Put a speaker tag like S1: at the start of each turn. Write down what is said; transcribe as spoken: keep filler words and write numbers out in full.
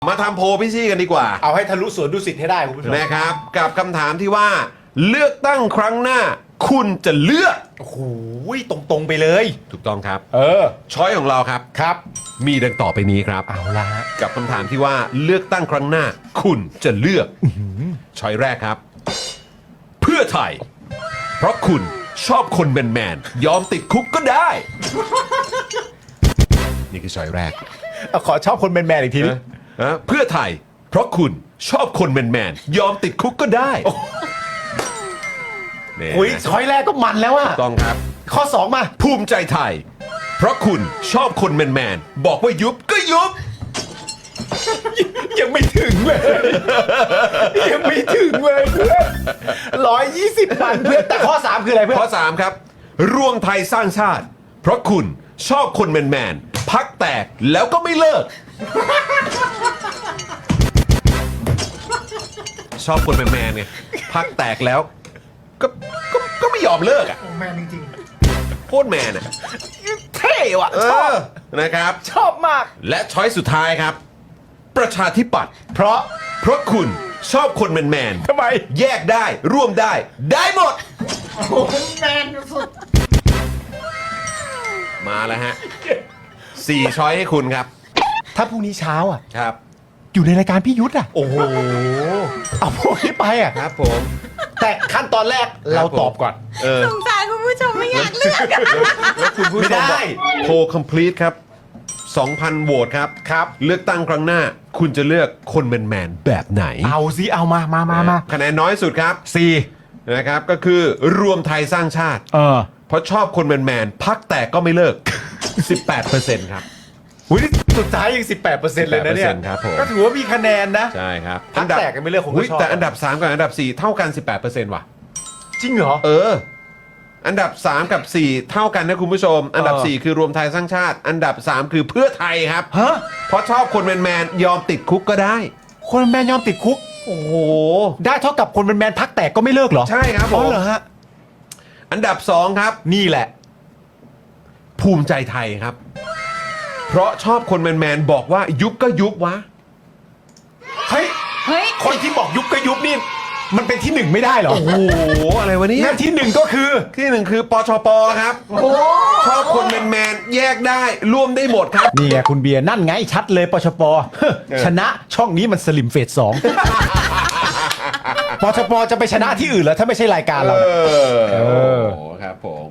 S1: มาทำโพลพี่ซี่กันดีกว่า
S2: เอาให้ทะลุสวนดุสิตให้ได้คุณผู้ชม
S1: นะครับกับคำถามที่ว่าเลือกตั้งครั้งหน้า คุณจะเลือก
S2: โอ้โหตรงๆไปเลย
S1: ถูกต้องครับ
S2: เออ
S1: ช้อยของเราครับ
S2: ครับ
S1: มีดังต่อไปนี้ครับ
S2: เอาละฮะ
S1: กับคำถามที่ว่าเลือกตั้งครั้งหน้า คุณจะเลือกช้อยแรกครับ เพื่อไทย เพราะคุณชอบคนแมนๆยอมติดคุกก็ได้ นี่คือช้อยแรก
S2: เอาขอชอบคนแมนๆอีกทีนึง
S1: ฮะเพื่อไทย เพราะคุณชอบคนแมนๆยอมติดคุกก็ได้นี่
S2: อุ้ย
S1: นะ
S2: ช้อยแรกก็มันแล้วอะ
S1: ถูกต้องครับ
S2: ข้อสองมา
S1: ภูมิใจไทย เพราะคุณชอบคนแมนๆบอกว่ายุบก็ยุบ
S2: ยังไม่ถึงเลย ยังไม่ถึงเลยเพื่อนร้อยยี่สิบวันเพื่อนแต่ข้อสามคืออะไรเพื่อน
S1: ข้อสามครับรวมไทยสร้างชาติ เพราะคุณชอบคนแมนๆพักแตกแล้วก็ไม่เลิก ชอบคนแมนๆไงพักแตกแล้วก็ก็ก็ไม่ยอมเลิกอ่ะ
S2: แมนจริง
S1: โคตรแมนอ่ะ
S2: ๆเท่ว่ะ
S1: เอ
S2: ชอบ
S1: อนะครับ
S2: ชอบมาก
S1: และช้อยสุดท้ายครับ ประชาธิปัตย์
S2: เพราะ
S1: เพราะคุณชอบคนแมน
S2: ทำไม
S1: ๆแยกได้ร่วมได้ ได้หมด
S2: แมนสุด
S1: มาแล้วฮะสี่ช้อยให้คุณครับ
S2: ถ้าพรุ่งนี้เช้าอ่ะ
S1: ครับ
S2: อยู่ในรายการพี่ยุทธอ่ะ
S1: โอ้โห
S2: เอาพวกนี้ไปอ่ะ
S1: ครับผม
S2: แต่ขั้นตอนแรกเราตอบก่อน
S1: เออ
S3: สงสารคุณผู้ชมไม่อยากเลือกอะ
S1: แล้วคุณผู้ชม
S2: ไม่ได้
S1: บอกโพล complete ครับ สองพัน โหวตครับ
S2: ครับ
S1: เลือกตั้งครั้งหน้า คุณจะเลือกคนแมนๆแบบไหน
S2: เอาสิเอามามามามา
S1: คะแนนน้อยสุดครับ
S2: สี่
S1: นะครับก็คือรวมไทยสร้างชาติ
S2: เออ
S1: เพราะชอบคนแมนๆพักแตกก็ไม่เลิก สิบแปดเปอร์เซ็นต์ ครับ
S2: อุ้ยนี่สุดท้ายยัง สิบแปดเปอร์เซ็นต์ เลยนะเนี่ย
S1: สิบแปดเปอร์เซ็นต์ครับผม
S2: ก็ถือว่ามีคะแนนนะ
S1: ใช่ครับ
S2: พักแตกกันไม่เลิกผมก็
S1: อุ๊ย
S2: ชอบ
S1: แต่อันดับสามกับอันดับสี่เท่ากัน สิบแปดเปอร์เซ็นต์ ว่ะ
S2: จริงเหรอ
S1: เออ อันดับสามกับสี่เท่ากันนะคุณผู้ชม อันดับ
S2: เออ
S1: สี่คือรวมไทยสร้างชาติ อันดับสามคือเพื่อไทยครับ
S2: ฮะ
S1: เพราะชอบคนแมนๆยอมติดคุกก็ได้
S2: คนแมนยอมติดคุก
S1: โอ้โห
S2: ได้เท่ากับคนแมนพักแตกก็ไม่เลิกเหรอ
S1: ใช่ครับผม
S2: อ๋อเหรอฮะ
S1: อันดับสองครับ
S2: นี่แหละ
S1: ภูมิใจไทยครับ เพราะชอบคนแมนๆบอกว่ายุบก็ยุบวะ
S2: เฮ้ย
S3: เฮ้ย
S2: คนที่บอกยุบก็ยุบนี่ มันเป็นที่หนึ่งไม่ได้เหรอ
S1: โอ้โห อะไรวะเนี่ย
S2: งั้นที่หนึ่งก็คือ
S1: ที่หนึ่งคือปชปครับ ชอบคนแมนๆแยกได้ร่วมได้หมดครับ
S2: นี่ไงคุณเบียร์นั่นไงชัดเลยปชปชนะช่องนี้มันสลิมเฟสสองปชปจะไปชนะที่อื่นแล้วถ้าไม่ใช่รายการเรา
S1: เอ
S2: เนี่ย
S1: อ
S2: เออ
S1: โอ้โหครับผม